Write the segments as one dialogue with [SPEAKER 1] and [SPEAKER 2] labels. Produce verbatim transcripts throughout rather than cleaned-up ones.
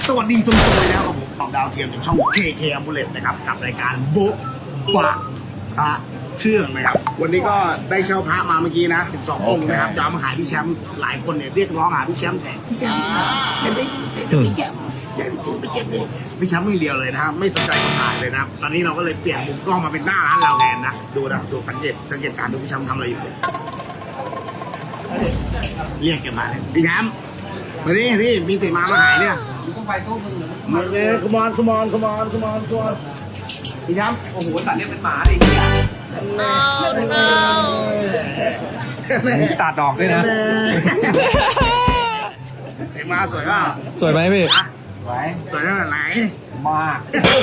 [SPEAKER 1] สวัสดีสมโวยนะครับผมตอบดาวเทียมจากช่อง เค เค Amulet นะครับกับรายการโบ๊ะปะพระเครื่องนะครับวันนี้ก็ได้เช่าพระมาเมื่อกี้นะสิบสององค์นะครับจะเอามาขายพี่แชมป์หลายคนเนี่ยเรียกร้องหาพี่แชมป์แต่พี่แชมป์ยังไม่พี่แชมป์อยากไปเจอพี่แชมป์เลยพี่แชมป์ไม่เดียวเลยนะครับไม่สนใจคนถ่ายเลยนะครับตอนนี้เราก็เลยเปลี่ยนมุมกล้องมาเป็นหน้าร้านเราแทนนะดูนะดูสังเกตสังเกตการดูพี่แชมป์ทำอะไรอยู่เลยเรียกแกมาเลยพี่แชมป์มาดิพี่มีติมามาขายเนี่ย
[SPEAKER 2] ต้องไปตู้มึง
[SPEAKER 1] มาเลยขมอนขมอนขมอนขมอนขมอนพี่แชมป์
[SPEAKER 2] โอ้โหตัดเรียกเป็นหมาดิเนี่ยตัดดอกด้วยนะ
[SPEAKER 1] เสียมาสวยป่ะ
[SPEAKER 3] สวยไหมพี่
[SPEAKER 2] สวย
[SPEAKER 1] สวยขนาดไหน
[SPEAKER 2] มาก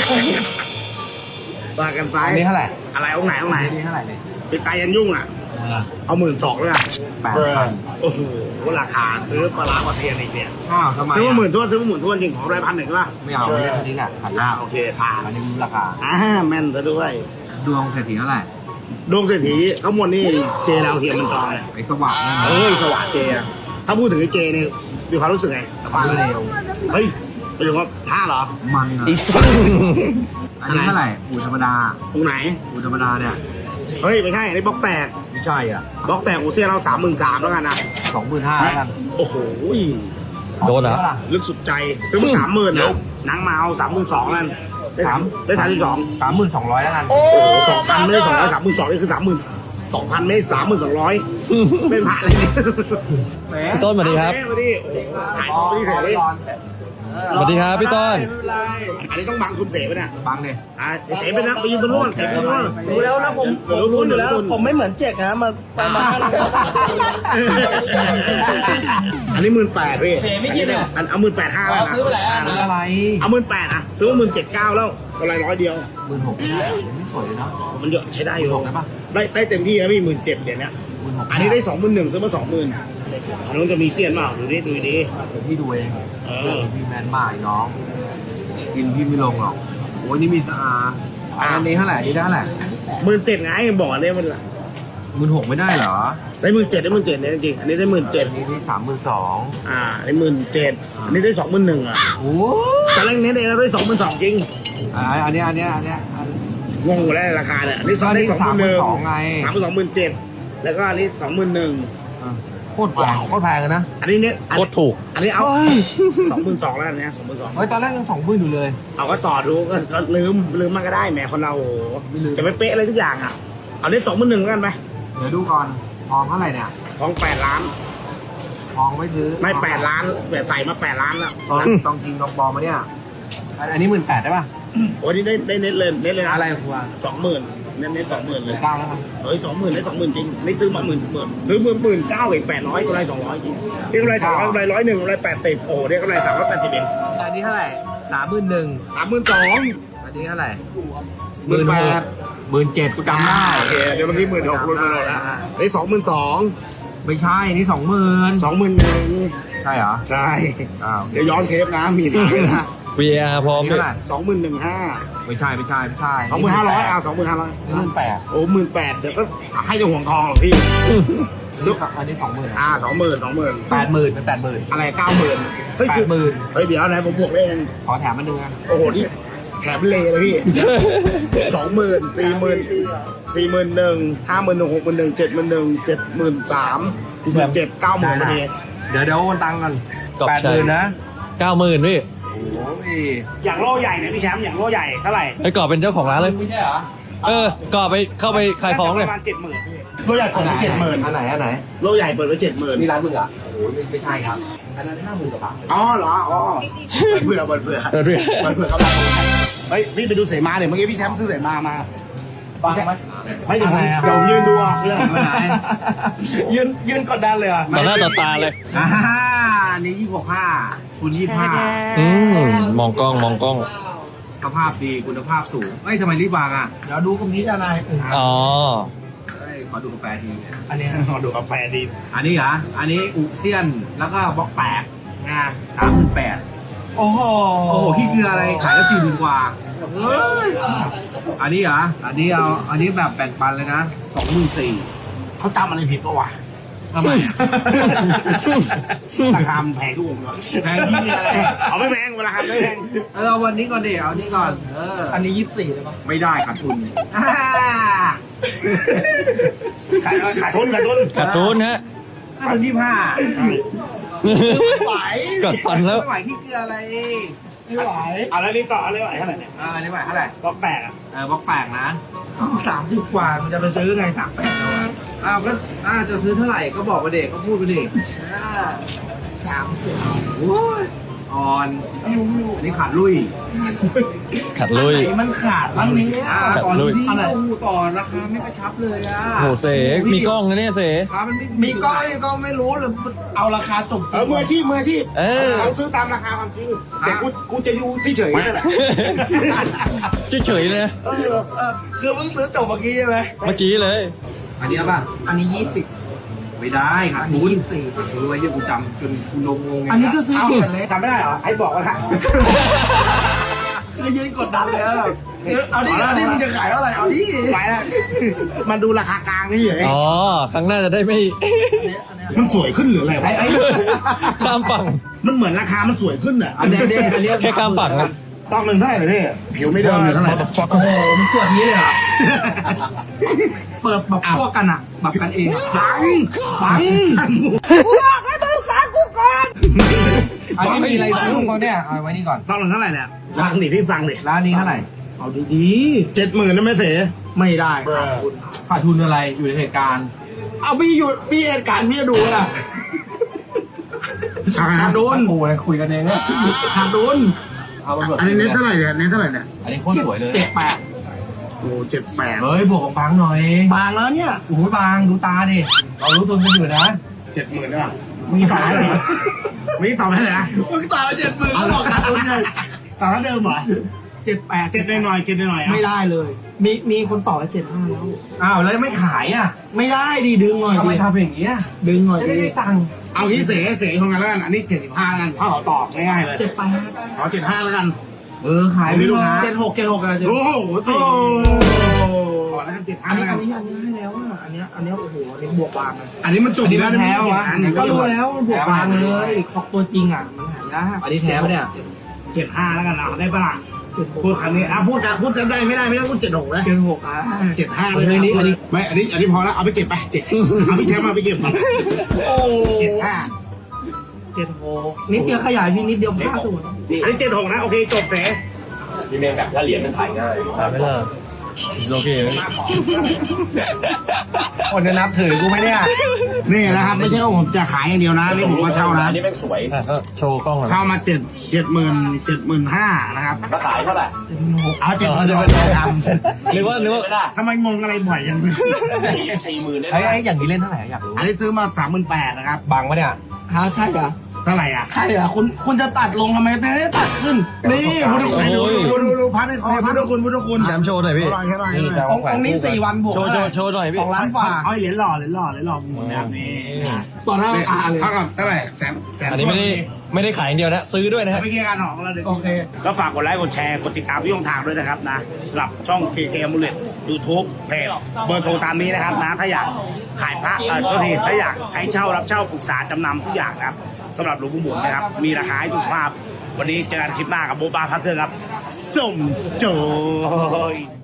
[SPEAKER 1] ว่ากันไป
[SPEAKER 2] อันนี้เท่าไหร่
[SPEAKER 1] อะไรองค์ไหนองค์ไหน
[SPEAKER 2] นี่เท่าไหร่เนี่ย
[SPEAKER 1] ปิดตายันยุ่งอ่ะเอาหมื่นสองเลยอ่ะ
[SPEAKER 2] แปดพัน
[SPEAKER 1] โอ้โหราคาซื้อปลาร้ากว่าเซียนอีกเนี่ย
[SPEAKER 2] อ้าวทำไม
[SPEAKER 1] ซื้อมาหมื่นทวนซื้อมาหมื่นทวนจริงของร้อยพันหนึ่งป่ะ
[SPEAKER 2] ไม่เอาเนี่ยอันนี้แหละผ่านหน้า
[SPEAKER 1] โอเคผ่าน
[SPEAKER 2] อันนี้รู้ราคา
[SPEAKER 1] อ่าแม่นซะด้วย
[SPEAKER 2] ดวงเศรษฐีเท่าไหร่
[SPEAKER 1] ดวงเศรษฐีข้างบนนี่เจดาวเทียมมันจองเลย
[SPEAKER 2] ไอ้สว่าง
[SPEAKER 1] เอ้ยสว่างเจอะถ้าพูดถึงไอ้เจเนี่ยมีความรู้สึกไงสว่างเร็วเฮ้ยไปดูว่าท่าเหรอ
[SPEAKER 2] มันอ่ะอันนี้เท่าไหร่อูธรรมดา
[SPEAKER 1] ตรงไหน
[SPEAKER 2] อูธรรมดาเนี่ย
[SPEAKER 1] เฮ้ยไม่ใช่อันนี้บล็อกแตก
[SPEAKER 2] ไม่ใช่อ่ะ
[SPEAKER 1] บล็อกแตกอูเซียเราสามหมื่นสามแล้วกันนะ
[SPEAKER 2] สองหมื่นห้าแล้วกัน
[SPEAKER 1] โอ้โห
[SPEAKER 3] โดนเหรอ
[SPEAKER 1] ลึกสุดใจซื้อมาสามหมื่นนะนังมาเอาสามหมื่นสองแล้วได้สามได้สามสิบสอง
[SPEAKER 2] สามหมื่นสองร้อยแล้วกัน
[SPEAKER 1] โอ้สองพันไม่ได้สองร้อยสามหมื่นสองนี่คือสามหมื่นสองพันไม่สามหมื่นสองร้อยเป็นผ่านเลย
[SPEAKER 3] พี่ต้นสวัสดีครับ
[SPEAKER 1] สวัสดีขายของพี่เสรี
[SPEAKER 3] สวัสดีครับพี่ต้น
[SPEAKER 1] อันนี้ต้องบังคุณเสไปเนี่ย
[SPEAKER 2] บังเลย
[SPEAKER 1] อ่าเสไปนะไปยืนตรงนู้นเสไปตรงนู้น
[SPEAKER 4] รู้แล้วนะผมผมรู้อยู่แล้วผมไม่เหมือนเจ๊กนะมาไปมา
[SPEAKER 1] อันนี้หมื่นแปดพี่ไม่คิดเลยอันเอาหมื่นแปดห้าแล้วนะ
[SPEAKER 2] ซื้อไปไหนอะไร
[SPEAKER 1] เอาหมื่นแปดอ่ะซื้อมาหมื่นเจ็ดเก้าแล้วกำไรร้อยเดียว
[SPEAKER 2] หมื่นหกไม่ได้ไม่สวยเลยนะ
[SPEAKER 1] มันเยอะใช้ได้อยู่
[SPEAKER 2] ได้ปะ
[SPEAKER 1] ได้ได้เต็มที่แล้วพี่หมื่นเจ็ดเดี๋ยวนี้อันนี้ได้สองหมื่นหนึ่งซื้อมาสองหมื่นอันนู้นจะมีเซียนเปล่าดูดิดูดิ
[SPEAKER 2] พี่ดูเอง
[SPEAKER 1] เออ
[SPEAKER 2] พี่แมนมากน้องกินพี่ไม่ลงหรอกโอ้ยนี่มีสะอาอันนี้เท่าไหร่นี่ได้เท่าไหร่
[SPEAKER 1] หมื่นเจ็ดไงบอกเนี่ยมันละ
[SPEAKER 2] หมื่นหกไม่ได้เหรอ
[SPEAKER 1] ได้หมื่นเจ็ดได้หมื่นเจ็ดเนี่ยจริงอันนี้ได้หมื่นเจ็ด
[SPEAKER 2] อันนี้สามหมื่นสอง
[SPEAKER 1] อ่าได้หมื่นเจ็ดอันนี้ได้สองหมื่นหนึ่งอ่ะ
[SPEAKER 2] โอ้
[SPEAKER 1] แต่แรงเน้นเองเราได้สองหมื่นสองจริง
[SPEAKER 2] อ่าอันนี้อันนี้อันนี้
[SPEAKER 1] งงแล้วราคาเนี่ยอันนี้สองได้สองหมื่นหนึ่ง
[SPEAKER 2] ไง
[SPEAKER 1] สามหมื่นสองหมื่นเจ็ดแล้วก็อันนี้สองหมื่นหนึ่ง
[SPEAKER 2] โคตรแพงโคตรแพงเลยนะ
[SPEAKER 1] อันนี้เนี่ย
[SPEAKER 3] โคตรถูก
[SPEAKER 1] อันนี้เอาสองหมื่นสองแล้วเนี่ยสองหมื่นสอง
[SPEAKER 2] เฮ้ยตอนแรกยังสองหมื่นอยู่เลย
[SPEAKER 1] เอาก็ต่อดูก็ลืมลืมมันก็ได้แหมคนเราจะไม่เป๊ะอะไรทุกอย่างอ่ะเอานี้สองหมื่นหนึ่งกันไหม
[SPEAKER 2] เดี๋ยวดูก่อนทองเท่าไหร่เนี่ย
[SPEAKER 1] ทองแปดล้าน
[SPEAKER 2] ทองไม่ซื้อ
[SPEAKER 1] ไม่แปดล้านแต่ใส่มาแปดล้านแล้ว
[SPEAKER 2] ทองจริงทองปลอมมาเนี่ยอันนี้หมื่นแปดได้ป่ะ
[SPEAKER 1] โอ้ยนี่ได้ได้เน็ตเลยเน็ตเลยนะ
[SPEAKER 2] อะไรครัว
[SPEAKER 1] สองหมื่นเน็ตเน็ตสองหมื่นเลย
[SPEAKER 2] เก้าแล้วครับ
[SPEAKER 1] เฮ้ยสองหมื่นได้สองหมื่นจริงไม่ซื้อมาหมื่นหมื่นซื้อหมื่นหมื่นเก้าอีกแปดร้อยกำไรสองร้อยจริงนี่กำไรสองร้อยกำไรร้อยหนึ่งกำไรแปดสิบโอ้เนี่ยกำไรสามร้อยแปดสิบเอง
[SPEAKER 2] อันนี้เท่าไหร่สามหมื่นหนึ่ง
[SPEAKER 1] สามหมื่นสอง
[SPEAKER 2] อันนี้เท่าไหร่หมื่นแปดหมื่นเจ็ดกูจำได้
[SPEAKER 1] โอเคเดี๋ยวเมื่อกี้หมื่นหกรุ่นเราแล้วได้สองหมื่นสอง
[SPEAKER 2] ไม่ใช่นี่สองหมื่น
[SPEAKER 1] สองหมื่นหนึ่ง
[SPEAKER 2] ใช่เหรอ
[SPEAKER 1] ใช่
[SPEAKER 2] อ้าว
[SPEAKER 1] เดี๋ยวย้อนเทปนะมีถ่ายนะ
[SPEAKER 3] วี อาร์ พร้อมด้วย
[SPEAKER 1] สองหมื่นหนึ่งห้า
[SPEAKER 2] ไม่ใช่ไม่ใช่ไม่ใช่
[SPEAKER 1] สองหมื่นห้าร้อยอ่ะสองหมื่นห้าร้อย
[SPEAKER 2] หมื่นแปด
[SPEAKER 1] โอ้หมื่นแปดเดี๋ยวก็ให้จะห่วงทองหรอพี่
[SPEAKER 2] ซื้ออันนี้สองหมื่น
[SPEAKER 1] อ่าสองหมื่นสองหมื่น
[SPEAKER 2] แปดหมื่นเป็นแปดหมื่น
[SPEAKER 1] อะไรเก้าหมื่นเฮ้ย
[SPEAKER 2] แปดหมื่น
[SPEAKER 1] เฮ้ยเดี๋ยวไหนผมบวกเอง
[SPEAKER 2] ขอแถมมันหนึ่ง
[SPEAKER 1] โอ้โหนี่แถมเลยเลยพี่สองหมื่นสี่หมื่นสี่หมื่นหนึ่งห้าหมื่นหนึ่งหกหมื่นหนึ่งเจ็ดหมื่นหนึ่งเจ็ดหมื่นสามหมื่นเจ็ดเก้าหมื่นประเทศ
[SPEAKER 2] เดี๋ยวเดี๋ยววันตังกันแปดหมื่นนะ
[SPEAKER 3] เก้าหมื่นพี่
[SPEAKER 2] โอ้ย
[SPEAKER 1] อย่างโล่ใหญ่เนี่ยพี่แชมป์อย่างโล่ใหญ่เท่าไหร่
[SPEAKER 3] ไอ้กอบเป็นเจ้าของร้านเลย
[SPEAKER 2] ไม่ใช่เหรอ
[SPEAKER 3] เออกอบไปเข้าไปขายของเลย
[SPEAKER 1] ประมาณเจ็ดหมื่นโล่ใหญ่เปิดไว้เจ็ดหมื่น
[SPEAKER 2] อันไหนอันไหน
[SPEAKER 1] โล่ใหญ่เปิดไว้เจ็ดหมื่น
[SPEAKER 2] นี่ร้านมึงอ่ะโอ้ยไม่ใช่ครับอันนั้นห้าหมื่นกว่าบาท
[SPEAKER 1] อ๋อเหรออ๋อเผื่อเผื่อเผื่อเผื่อเผื่อเขาบอกเฮ้ยพี่ไปดูเสมาเนี่ยเมื่อกี้พี่แชมป์ซื้อเสมามา
[SPEAKER 2] ฟังไหม
[SPEAKER 1] ไม่ถึงเดี๋ยวยืนดูเสื้อ
[SPEAKER 4] ยืนยืนกดดันเลยอ่ะ
[SPEAKER 3] ต่อหน้าต่อตาเลย
[SPEAKER 2] อ่านี่ยี่สิบห้าคุณยี่สิบห้า
[SPEAKER 3] อืมมองกล้องมองกล้อง
[SPEAKER 2] สภาพดีคุณภาพสูงเอ้ยทำไมรีบวางอ่ะ
[SPEAKER 4] เดี๋ยวดูตรงนี้จะอะไร
[SPEAKER 3] อ๋อ
[SPEAKER 2] ขอดูกาแฟที
[SPEAKER 1] อันนี้ขอดูกาแฟที
[SPEAKER 2] อันนี้เหรออันนี้อุเซียนแล้วก็บล็อกแปดงาสามหมื่นแปด
[SPEAKER 4] โอ้โห
[SPEAKER 2] โอ้โหพี่คืออะไรขายได้สี่หมื่นกว่าเฮ้ยอันนี้เหรออันนี้เอาอันนี้แบบแบ่งปันเลยนะสองหมื่นสี่
[SPEAKER 1] เขาจำอะไรผิดปะวะทำไมราคามันแพงทุกองค์เลย
[SPEAKER 2] แพงที่อะไร
[SPEAKER 1] เอาไม่แพงราคาไม่แพง
[SPEAKER 2] เออเอาวันนี้ก่อนดิเอานี่ก่อน เออ
[SPEAKER 4] อันนี้ยี่สิบสี่เลยป่ะ
[SPEAKER 2] ไม่ได้ขาดทุน
[SPEAKER 1] ขายขายทุนขายทุน
[SPEAKER 3] การ์ตูนฮะ
[SPEAKER 2] ถ้าถึงยี่ห้า
[SPEAKER 4] ไหว
[SPEAKER 3] กัดฟันแล้ว
[SPEAKER 2] ไม่ไหวที่เกลืออะไร
[SPEAKER 4] ไม่ไหว
[SPEAKER 1] เอาแล้วนี่ต่ออะไรไหวเท่าไหร่เนี่ย
[SPEAKER 2] เออนี่ไหวเท่าไหร่
[SPEAKER 1] ก็แปดอ่ะ
[SPEAKER 2] เออบล็อกแปลกนะ
[SPEAKER 4] สามสิบกว่ามันจะไปซื้อไงสามแปด
[SPEAKER 2] อ้าวก็อ้าวจะซื้อเท่าไหร่ก็บอกไปเด็กก็พูดไปดิอ่า
[SPEAKER 4] สามสิบ
[SPEAKER 2] โอ้ยอ่อนนี่ขาดลุย
[SPEAKER 3] ขัดลุย
[SPEAKER 4] ไอ้มันขาดบ้างนี้
[SPEAKER 2] อ่า
[SPEAKER 3] ขาด
[SPEAKER 2] ก่อน
[SPEAKER 3] ลุย
[SPEAKER 2] ที่เราต่อราคาไม่กระชับเลยอ่ะ
[SPEAKER 3] โหเสกมีกล้องนะเนี่ยเสก
[SPEAKER 2] ราคามันไม่
[SPEAKER 4] มีก้อยก็ไม่รู้เลยเอาราคาจบ
[SPEAKER 1] เออมืออาชีพมืออาชีพ
[SPEAKER 3] เออ
[SPEAKER 1] เราซื้อตามราคาความจริงแต่กูกูจะอยู่ที่เฉยๆนั่นแหละ
[SPEAKER 3] เฉยๆเลยนะ
[SPEAKER 4] เออเออคือเพิ่งซื้อจบเมื่อกี้ใช่ไหม
[SPEAKER 3] เมื่อกี้เลย
[SPEAKER 2] อันนี้เอาป่ะ
[SPEAKER 4] อันนี้ยี่สิบ
[SPEAKER 2] ไม่ได้ขาด
[SPEAKER 4] อัน
[SPEAKER 2] ทุ
[SPEAKER 4] นี้
[SPEAKER 2] น
[SPEAKER 4] ยี่สิบสี่
[SPEAKER 2] รู้ไว้ยังกูจำจนกูลงงงไง
[SPEAKER 4] อันนี้ก็ซื้อ
[SPEAKER 1] เอา
[SPEAKER 4] เกินเลย
[SPEAKER 1] จำไม่ได้เหรอไอ้บอกว่าละ
[SPEAKER 4] คือยืนกดดันเลยอะแบบเออเอาดิเอาดิมึงจะขายเท่าไหร่เอาดิ
[SPEAKER 1] ไปแล้วมันดูราคากลางนี่เฉย
[SPEAKER 3] อ๋อ ครั้งหน้าจะได้ไม่
[SPEAKER 1] มันสวยขึ้นหรืออะไรวะ
[SPEAKER 2] ไอ้ไอ้
[SPEAKER 3] ข้ามฝั่ง
[SPEAKER 1] มันเหมือนราคามันสวยขึ้นอ่ะ
[SPEAKER 2] อันเนี้ยอันเนี้ยอันเนี้ย
[SPEAKER 3] แค่ข้ามฝั่งครับ
[SPEAKER 1] ต้องหนึ่งเท่าไหร่เลยพี่ผิวไม่เดิมเลยเท่าไหร่
[SPEAKER 4] โอ้โหมันส่วนนี้เลยเหรอ่ะเปิดแบบพวกกันอ่ะ
[SPEAKER 2] แบบกันเองอะ
[SPEAKER 1] ฟังฟัง
[SPEAKER 2] อันนี้มีอะไรซื้อของเขาเนี่ยเอาไว้นี่ก่อน
[SPEAKER 1] ต้องหนึ่งเท่าไหร่เนี่ยฟังดิพี่ฟังดิ
[SPEAKER 2] ร้านนี้เท่าไหร่
[SPEAKER 4] เอาดี
[SPEAKER 1] เจ็ดหมื่นนะแม่เส
[SPEAKER 4] ๆไม่ได้ครับคุณ
[SPEAKER 2] ขาดทุนอะไรอยู่ในเหตุการณ์
[SPEAKER 4] เอาพี่อยู่พี่เหตุการณ์พี่จะดูนะ
[SPEAKER 1] ขาดโดน
[SPEAKER 2] โอ้ยคุยกันเองเนี่ย
[SPEAKER 4] ขาดดุน
[SPEAKER 2] เอามาเบิก
[SPEAKER 1] อันนี้เน้นเท่าไหร่เนี่ยเน้นเท่าไหร่เนี่ย
[SPEAKER 2] อันนี้โคตรสวยเลย
[SPEAKER 4] เจ็ดแปด
[SPEAKER 1] โอ้เจ็ดแปด
[SPEAKER 2] เฮ้ยบวกของบางหน่อย
[SPEAKER 4] บางแล้วเนี่ย
[SPEAKER 2] โอ้โหบางดูตาดิเรารู้ตัวกันอยู่นะ
[SPEAKER 1] เจ็ดหมื่นได้ป่ะมีต่อให้เลยมีต่อให้เลยนะ
[SPEAKER 4] มึงต่อเจ็ดหมื่นแล้วบอกขาดดุนเลย
[SPEAKER 1] ต่อเท่าเดิมเหรอ
[SPEAKER 4] เจ็ดแปด
[SPEAKER 1] เจ็ดหน่อยๆเจ็ดหน่อยๆอ่ะ
[SPEAKER 4] ไม่ได้เลย มีมีคนต่อเจ็ดห้าแล้ว
[SPEAKER 2] อ้าวแล้วไม่ขายอ่ะ
[SPEAKER 4] ไม่ได้ดิดึงหน่อย
[SPEAKER 2] ทำไม
[SPEAKER 4] ดิ
[SPEAKER 2] ทำอย่างเงี้ย
[SPEAKER 4] ดึงหน่อย
[SPEAKER 2] จะ
[SPEAKER 4] ดิ
[SPEAKER 2] ได้ได้ตังค์
[SPEAKER 1] เอางี้เสเสของกันแล้วกันอันนี้เจ็ดสิบห้ากันถ้าเขาตอบง่ายๆเลย
[SPEAKER 4] เจ็ดแปด
[SPEAKER 1] ขอเจ็ดห้าแล้วกัน
[SPEAKER 2] เออขายไม่รู้นะ
[SPEAKER 4] เจ็ดหกเจ็ดหกอะไรเจ็ด
[SPEAKER 1] โอ้
[SPEAKER 4] หก
[SPEAKER 1] โหเสขอแล้วกันเจ็ดห้า
[SPEAKER 4] อันนี้
[SPEAKER 1] แล้วกั
[SPEAKER 4] อั
[SPEAKER 1] น
[SPEAKER 4] นนี้อันนี้ให้แล้วอ่ะอันนี้อันนี้โอ้โหอันนี้บวกบางเลย
[SPEAKER 1] อันนี้มันจบแล้ว
[SPEAKER 4] ก็รู้แล้วมันบวกบางเลยของตัวจริงอ่ะมันหายาก
[SPEAKER 2] อันนี้แท้ปะเนี่ย
[SPEAKER 1] เจ็ดห้าแล้วกันเอาได้ปะล่ะ
[SPEAKER 4] เจ็ดหก
[SPEAKER 1] พูดคำนี้อ่ะพูดกันพูดกันได้ไม่ได้ไม่ได้พูดเจ็ดหกเลย
[SPEAKER 4] เจ็ดหกอ่ะ
[SPEAKER 1] เจ็ดห้าเลยนี่อันนี้ไม่อันนี้อันนี้พอแล้วเอาไปเก็บไปเจ็ดเอาพี่แชมป์มาไปเก็บมา
[SPEAKER 4] โอ้
[SPEAKER 1] เจ็ดห้า
[SPEAKER 4] เจ็ดหกนิดเดียวขยายพี่นิดเดียวห้าตัว
[SPEAKER 1] อันนี้เจ็ดหกนะโอเคจบเส
[SPEAKER 2] พี่เมงแบบถ้าเหรียญมันถ่ายง่าย
[SPEAKER 3] ถ่ายไม่ได้โอเคไหม
[SPEAKER 2] คนจะนับถือกูไหมเนี่ย
[SPEAKER 1] นี่นะครับไม่ใช่ว่าผมจะขายอย่างเดียวนะนี่ผมก็เช่านะ
[SPEAKER 2] อันนี้แม่งสวย
[SPEAKER 3] อ่ะก็โชว์กล้องหน่อย
[SPEAKER 1] เข้ามาเจ็ดเจ็ดหมื่นเจ็ดหมื่นห้านะครับ
[SPEAKER 2] ก็ขายเท่าไหร่
[SPEAKER 1] เอาเจ็ดหมื่น
[SPEAKER 3] จะเป็น
[SPEAKER 1] ท
[SPEAKER 3] หรือว่าหรือว่า
[SPEAKER 1] ำทำไมงงอะไรบ่อยอย่างนี้
[SPEAKER 2] สี่หมื่นไอ้ไอ้อย่างนี้เล่นเท่าไหร่อยากรู้
[SPEAKER 1] อันนี้ซื้อมาสามหมื่นแปดนะครับ
[SPEAKER 2] บางปะเนี่ย
[SPEAKER 4] ฮะใช่เหรอ
[SPEAKER 1] เท่าไหร่อ่ะ
[SPEAKER 4] ใช่เหรอคุณคุณจะตัดลงทำไมไม่ได้ตัดขึ้น นี่พุทธคุณ
[SPEAKER 1] ดูดูดูดูพันให้เขาพัน
[SPEAKER 4] พุทธคุณพุทธคุณ
[SPEAKER 3] แชมป์โชว์หน่อยพี่
[SPEAKER 1] อร่อยอร่อยอร่อย
[SPEAKER 4] องค์องค์นี้สี่วันบวก
[SPEAKER 3] โชว์โชว์โชว์หน่อยพี่
[SPEAKER 4] สองล้านกว่า
[SPEAKER 1] เอาเหรียญหล่อเหรียญหล่อเหรียญหล่อหมุนนะครับนี่
[SPEAKER 4] ต่อหน้าอาเลย
[SPEAKER 1] เท่ากับเท่าไหร่แสนแสน
[SPEAKER 3] อันนี้ไม่ได้ไม่ได้ขายอย่างเดียวนะ ซื้อด้วยนะฮะ
[SPEAKER 1] ไม่เกี่ยวกันหรอกเราเดี๋ยว
[SPEAKER 4] โอเค
[SPEAKER 1] ก็ฝากกดไลค์กดแชร์กดติดตามพี่ยงทางด้วยนะครับนะสำหรับช่อง เค เค Amulet YouTube เพจเบอร์โทรตามนี้นะครับนะถ้าอยากขายพระเออโทษทีถ้าอยากให้เช่ารับเช่าปรึกษาจำนำทุกอย่างนะครับสำหรับหลวงปู่หมุนนะครับมีราคาให้ทุกสภาพวันนี้เจอกันคลิปหน้ากับโบบาพระเครื่องครับส่งโจย